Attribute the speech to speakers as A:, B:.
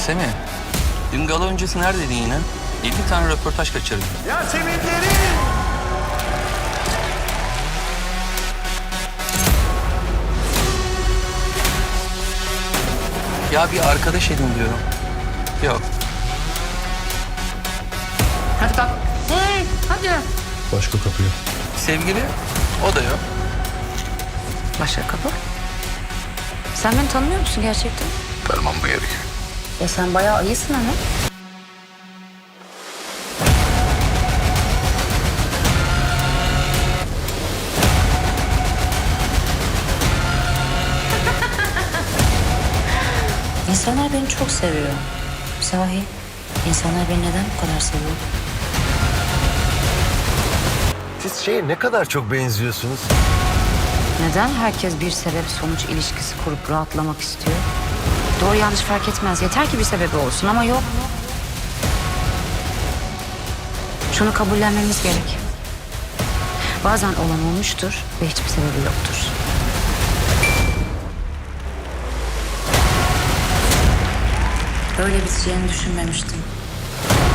A: Semih, dün gala öncesi neredeydin yine? 7 tane röportaj kaçırdın.
B: Yasemin Derin!
A: Ya bir arkadaş edin diyorum. Yok.
C: Hadi kalk. Hey, hadi.
B: Başka kapıyı.
A: Sevgili, o da yok.
C: Başka kapı. Sen beni tanımıyor musun gerçekten?
B: Tanımam mı gerek?
C: Ya sen bayağı iyisin ama. İnsanlar beni çok seviyor. Sahi, insanlar beni neden bu kadar seviyor?
B: Siz şeye ne kadar çok benziyorsunuz.
C: Neden herkes bir sebep sonuç ilişkisi kurup rahatlamak istiyor? Doğru yanlış fark etmez. Yeter ki bir sebebi olsun ama yok. Şunu kabullenmemiz gerek. Bazen olan olmuştur ve hiçbir sebebi yoktur. Böyle biteceğini düşünmemiştim.